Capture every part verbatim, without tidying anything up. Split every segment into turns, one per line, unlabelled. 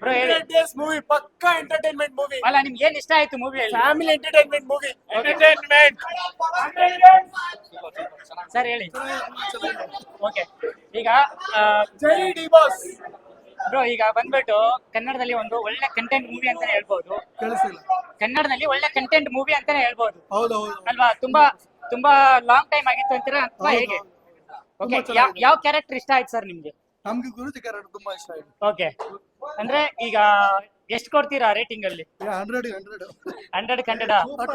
Bro ಹೇಳಿ.
Days movie ಪಕ್ಕಾ entertainment movie.
ಅಲ್ಲ ನಿಮ್ಗೆ ಏನ್ ಇಷ್ಟ ಆಯ್ತು ಮೂವಿ ಹೇಳಿ.
Family entertainment movie. Entertainment
sir ಹೇಳಿ. ಓಕೆ ಈಗ
ಜೈ ಡಿ ಬಾಸ್.
ಬ್ರೋ ಈಗ ಬಂದ್ಬಿಟ್ಟು ಕನ್ನಡದಲ್ಲಿ ಒಂದು ಒಳ್ಳೆ ಕಂಟೆಂಟ್ ಮೂವಿ ಅಂತಾನೆ ಹೇಳ್ಬೋದು.
ಕೇಳಿಸಿಲ್ಲ.
ಕನ್ನಡದಲ್ಲಿ ಒಳ್ಳೆ ಕಂಟೆಂಟ್ ಮೂವಿ ಅಂತಾನೆ ಹೇಳ್ಬೋದು
ಹೌದು ಹೌದು
ಅಲ್ವಾ? ತುಂಬಾ ತುಂಬಾ ಲಾಂಗ್ ಟೈಮ್ ಆಗಿತ್ತು ಅಂತೀರಾ ಅಥವಾ
ಹೌದು,
ಹೇಗೆ?
ಹೌದು.
ಓಕೆ
ತುಂಬಾ ಚೆನ್ನಾಗಿದೆ.
ಯಾವ ಕ್ಯಾರೆಕ್ಟರ್ ಇಷ್ಟ ಆಯ್ತು ಸರ್ ನಿಮ್ಗೆ?
ನಮ್ಗೆ ಗುರುಜಿ ಕ್ಯಾರೆಕ್ಟರ್ ತುಂಬಾ ಇಷ್ಟ ಆಯ್ತು.
ಓಕೆ ಅಂದ್ರೆ ಈಗ ಎಷ್ಟು ಕೊಡ್ತೀರಾ ರೇಟಿಂಗ್ ಅಲ್ಲಿ?
Hundred hundred
hundred hundred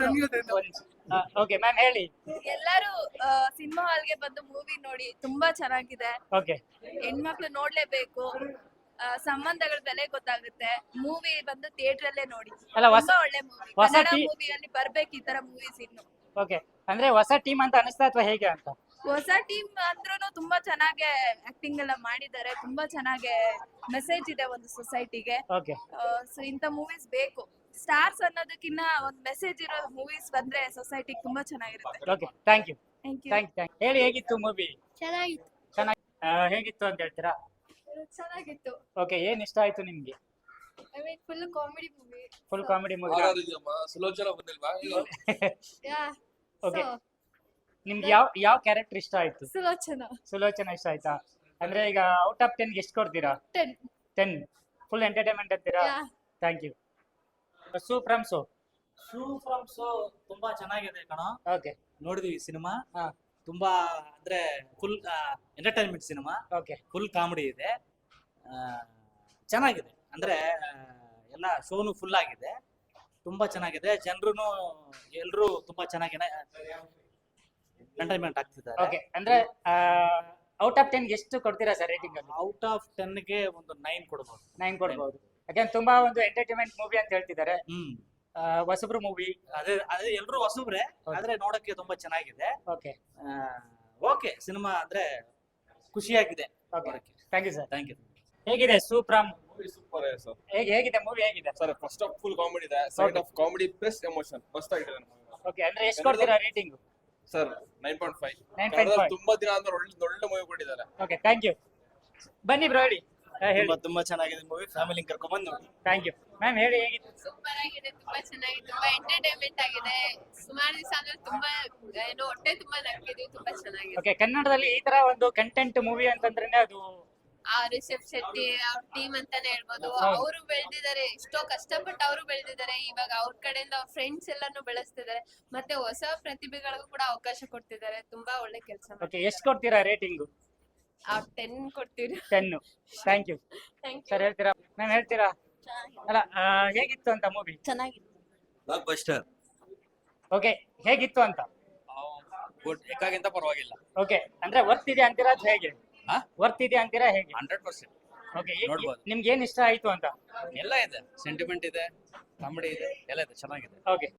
okay ma'am ಹೇಳಿ.
ಎಲ್ಲರೂ ಸಿನಿಮಾ ಹಾಲ್ಗೆ ಬಂದು ಮೂವಿ ನೋಡಿ, ತುಂಬಾ ಚೆನ್ನಾಗಿದೆ.
ಓಕೆ
ಹೆಣ್ಮಕ್ಳು ನೋಡ್ಲೇಬೇಕು. ಆ, ಸಂಬಂಧಗಳ ಬೆಲೆ ಗೊತ್ತಾಗುತ್ತೆ. ಮೂವಿ ಬಂದು ಥಿಯೇಟರ್ ಅಲ್ಲೇ ನೋಡಿ.
ಅಲ್ಲ, ಹೊಸ-
ತುಂಬಾ ಒಳ್ಳೆ ಮೂವಿ.
ಹೊಸ
ಕನ್ನಡ
ಟಿ-
ಮೂವಿಯಲ್ಲಿ ಬರ್ಬೇಕು ಈ ತರ ಮೂವೀಸ್ ಇನ್ನು.
ಓಕೆ ಅಂದ್ರೆ ಹೊಸ ಟೀಮ್ ಅಂತ ಅನಿಸ್ತಾ ಅಥವಾ ಹೇಗೆ ಅಂತ?
ಹೊಸ ಟೀಮ್ ಅಂದ್ರೂ ತುಂಬಾ ಚೆನ್ನಾಗಿ ಆಕ್ಟಿಂಗ್ ಎಲ್ಲ ಮಾಡಿದ್ದಾರೆ. ತುಂಬಾ ಚೆನ್ನಾಗಿ ಮೆಸೇಜ್ ಇದೆ ಒಂದು ಸೊಸೈಟಿಗೆ.
ಓಕೆ
ಸೊ ಇಂಥ ಮೂವೀಸ್ ಬೇಕು. ಸ್ಟಾರ್ಸ್ ಅನ್ನೋದಕ್ಕಿಂತ ಒಂದ್ ಮೆಸೇಜ್ ಇರೋ ಮೂವೀಸ್ ಬಂದ್ರೆ ಸೊಸೈಟಿಗೆ ತುಂಬಾ ಚೆನ್ನಾಗಿರುತ್ತೆ.
Okay thank you
thank you.
Thank thank ಹೇಳಿ ಹೇಗಿತ್ತು ಮೂವಿ?
ಚೆನ್ನಾಗಿತ್ತು.
ಚೆನ್ನಾಗಿ ಹೇಗಿತ್ತು ಅಂತ ಹೇಳ್ತೀರಾ?
ಚೆನ್ನಾಗಿತ್ತು.
ಓಕೆ ಏನ್ ಇಷ್ಟ ಆಯ್ತು ನಿಮ್ಗೆ?
I mean full comedy movie.
Full comedy movie.
Sulochana ಬಂದಿಲ್ವಾ?
ಯಾ
ಓಕೆ ನಿಮ್ಗೆ ಯಾವ ಯಾವ ಕ್ಯಾರೆಕ್ಟರ್ ಇಷ್ಟ ಆಯ್ತು?
ಸುಲೋಚನಾ.
ಸುಲೋಚನಾ ಇಷ್ಟ ಆಯ್ತಾ? ಅಂದ್ರೆ ಈಗ ಔಟ್ ಆಫ್ ಟೆನ್ ಎಷ್ಟು ಕೊಡ್ತೀರಾ?
ಟೆನ್.
ಟೆನ್ ಫುಲ್ ಎಂಟರ್ಟೈನ್ಮೆಂಟ್ ಅಂತೀರಾ?
Yeah.
Thank you. Su from So
Shu from So ತುಂಬಾ ಚೆನ್ನಾಗಿದೆ ಕಣ.
ಓಕೆ
ನೋಡಿದೀವಿ ಸಿನಿಮಾ.
ಹಾ.
ತುಂಬಾ ಅಂದ್ರೆ ಫುಲ್ ಎಂಟರ್ಟೈನ್ಮೆಂಟ್ ಸಿನಿಮಾ.
ಓಕೆ
ಫುಲ್ ಕಾಮಿಡಿ ಇದೆ. ಆ, ಚೆನ್ನಾಗಿದೆ ಅಂದ್ರೆ ಆ, ಎಲ್ಲ ಶೋನು ಫುಲ್ ಆಗಿದೆ. ತುಂಬಾ ಚೆನ್ನಾಗಿದೆ. ಜನರು ಎಲ್ರು ತುಂಬಾ ಚೆನ್ನಾಗಿ ಎಂಟರ್ಟೈನ್ಮೆಂಟ್ ಆಗ್ತಿದ್ದಾರೆ.
ಓಕೆ ಅಂದ್ರೆ ಔಟ್ ಆಫ್ ಟೆನ್ ಎಷ್ಟು ಕೊಡ್ತೀರಾ ಸರ್ ರೇಟಿಂಗ್ ಅಲ್ಲಿ?
ಔಟ್ ಆಫ್ ಟೆನ್ ಗೆ ಒಂದು ನೈನ್ ಕೊಡ್ಬೋದು.
ನೈನ್ ಕೊಡ್ಬೋದು. ಯಾಕಂದ್ರೆ ತುಂಬಾ ಒಂದು ಎಂಟರ್ಟೈನ್ಮೆಂಟ್ ಮೂವಿ ಅಂತ ಹೇಳ್ತಿದ್ದಾರೆ.
ಹ್ಮ್
ಆ, ಹೊಸಬ್ರು ಮೂವಿ.
ಅದೇ ಅದೇ ಎಲ್ರು ಹೊಸಬ್ರೆ ಆದ್ರೆ ನೋಡಕ್ಕೆ ತುಂಬಾ ಚೆನ್ನಾಗಿದೆ.
ಓಕೆ
ಓಕೆ ಸಿನಿಮಾ ಅಂದ್ರೆ ಖುಷಿಯಾಗಿದೆ.
Okay thank you sir.
Thank you.
ಹೇಗಿದೆ ಸೂಪ್ರಾಮ್?
ಸೂಪರ್ ಆಗಿದೆ ಸರ್.
ಹೇಗೆ ಹೇಗಿದೆ ಮೂವಿ ಹೇಗಿದೆ?
Sir first half full comedy ಇದೆ, second half comedy plus emotion ಮಸ್ತ್ ಆಗಿದೆ.
ಓಕೆ ಅಂದ್ರೆ ಎಷ್ಟು ಕೊಡ್ತೀರಾ rating?
Sir nine point five.
Nine point five.
ತುಂಬಾ ದಿನ ಅಂದ್ರೆ ಒಳ್ಳೆ ಒಳ್ಳೆ ಮೂವಿ ಕೊಟ್ಟಿದ್ದಾರೆ.
Okay thank you. ಬನ್ನಿ ಬ್ರೋ ಹೇಳಿ. ಆ, ಹೇಳಿ.
ತುಂಬಾ ತುಂಬಾ ಚೆನ್ನಾಗಿದೆ ಮೂವಿ. ಫ್ಯಾಮಿಲಿ ಕರ್ಕೊಂಡ್ ಬಂದು ನೋಡಿ.
ಥ್ಯಾಂಕ್ ಯು ಮ್ಯಾಮ್ ಹೇಳಿ ಹೇಗಿತ್ತು?
ಸೂಪರ್ ಆಗಿದೆ. ತುಂಬಾ ಚೆನ್ನಾಗಿದೆ. ತುಂಬಾ ಎಂಟರ್ಟೈನ್ಮೆಂಟ್ ಆಗಿದೆ. ಸುಮಾರು ದಿವಸ ಅಂದ್ರೆ ತುಂಬಾ ಏನು ಹೊಟ್ಟೆ ತುಂಬಾ ನಕ್ಕಿದ್ವಿ. ತುಂಬಾ ಚೆನ್ನಾಗಿದೆ.
ಓಕೆ ಕನ್ನಡದಲ್ಲಿ ಈ ತರ ಒಂದು ಕಂಟೆಂಟ್ ಮೂವಿ ಅಂತಂದ್ರೆ ಅದು
ಆ ರಿಷಬ್ ಶೆಟ್ಟಿ ಅವ್ರ ಟೀಮ್ ಅಂತಾನೆ ಹೇಳ್ಬೋದು.
ಹೌದು.
ಅವರು ಬೆಳೆದಿದ್ದಾರೆ. ಎಷ್ಟೋ ಕಷ್ಟಪಟ್ಟು ಅವರು ಬೆಳೆದಿದ್ದಾರೆ. ಇವಾಗ ಅವ್ರ ಕಡೆಯಿಂದ ಅವ್ರ ಫ್ರೆಂಡ್ಸ್ ಎಲ್ಲಾನು ಬೆಳೆಸ್ತಿದ್ದಾರೆ. ಮತ್ತೆ ಹೊಸ ಪ್ರತಿಭೆಗಳಿಗೂ ಕೂಡ ಅವಕಾಶ ಕೊಡ್ತಿದ್ದಾರೆ. ತುಂಬಾ ಒಳ್ಳೆ ಕೆಲಸ.
ಓಕೆ ಎಷ್ಟು ಕೊಡ್ತೀರಾ ರೇಟಿಂಗ್?
ಟೆನ್ ಕೊಡ್ತೀವಿ.
Ten. Thank you
thank
sir. ಹೇಳ್ತೀರಾ ಮ್ಯಾಮ್ ಹೇಳ್ತೀರಾ? ಅಲ್ಲ ಆ, ಹೇಗಿತ್ತು ಅಂತ ಮೂವಿ?
ಚೆನ್ನಾಗಿದೆ.
Block buster.
ಓಕೆ ಹೇಗಿತ್ತು ಅಂತ?
ಗುಡ್. ಎಕ್ಕಾಗಿಂತ ಪರವಾಗಿಲ್ಲ.
ಓಕೆ ಅಂದ್ರೆ ವರ್ತ್ ಇದೆ ಅಂತೀರಾ ಅಥವಾ ಹೇಗೆ?
ಹಾ?
ವರ್ತ್ ಇದೆ ಅಂತೀರಾ ಹೇಗೆ?
ಹಂಡ್ರೆಡ್ ಪರ್ಸೆಂಟ್
ಓಕೆ
ನೋಡ್ಬೋದು.
ನಿಮ್ಗೆ ಏನ್ ಇಷ್ಟ ಆಯ್ತು ಅಂತ?
ಎಲ್ಲ ಇದೆ. ಸೆಂಟಿಮೆಂಟ್ ಇದೆ, ಕಾಮಿಡಿ ಇದೆ, ಎಲ್ಲ ಇದೆ. ಚೆನ್ನಾಗಿದೆ.
ಓಕೆ